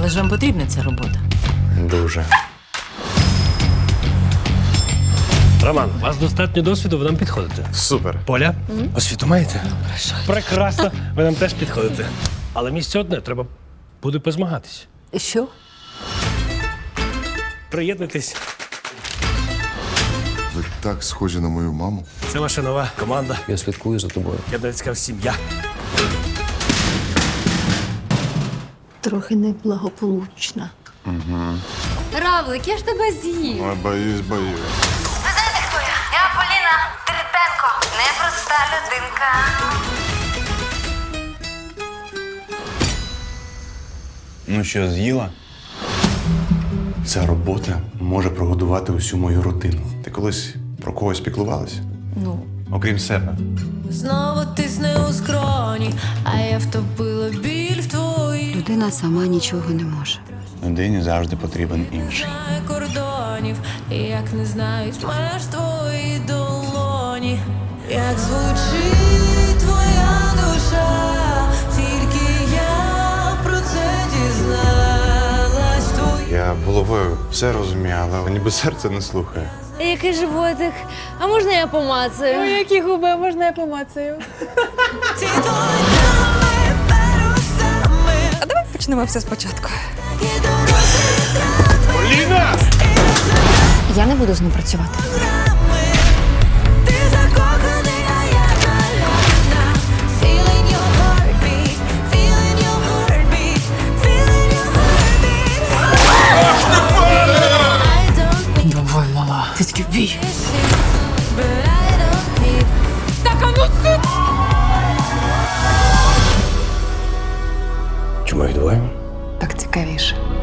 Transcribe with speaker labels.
Speaker 1: Але ж вам потрібна ця робота.
Speaker 2: Дуже.
Speaker 3: Роман, у вас достатньо досвіду, ви нам підходите.
Speaker 2: Супер.
Speaker 3: Поля, освіту маєте? Прекрасно, ви нам теж підходите. Але місце одне, треба буде позмагатись.
Speaker 1: Що?
Speaker 3: Приєднуйтесь.
Speaker 4: Ви так схожі на мою маму.
Speaker 3: Це ваша нова команда.
Speaker 5: Я слідкую за тобою.
Speaker 3: Я б навіть сказав, сім'я.
Speaker 1: Трохи неблагополучна.
Speaker 6: Равлик, я ж тебе з'їв.
Speaker 4: Ой, боюсь.
Speaker 7: Ви знаєте, хто я? Я Поліна Трипенко. Непроста людинка.
Speaker 2: Ну що, з'їла? Ця робота може прогодувати усю мою родину. Ти колись про когось піклувалась?
Speaker 1: Ну,
Speaker 2: Окрім себе.
Speaker 8: Знову тисне у скроні, а я втопила біль в твоїй.
Speaker 6: Людина сама нічого не може.
Speaker 2: Людині завжди потрібен інший.
Speaker 8: Знає кордонів, як не знають меж твої долоні. Як звучить твоя душа, тільки я про це дізналась.
Speaker 2: Я головою все розумію, але ніби серце не слухає.
Speaker 9: Який животик? А можна я помацаю? Ой, які губи, можна я помацаю?
Speaker 6: А давай почнемо все спочатку.
Speaker 2: Поліна!
Speaker 6: Я не буду з ним працювати.
Speaker 8: Ти закоханий, а я налюбна. Feeling your heartbeat, feeling your heartbeat, feeling your heartbeat. I don't need
Speaker 1: давай, мала. Ти такий бій.
Speaker 8: but I don't need. Так, а ну це!
Speaker 5: Чому їх двоє?
Speaker 6: Так цікавіше.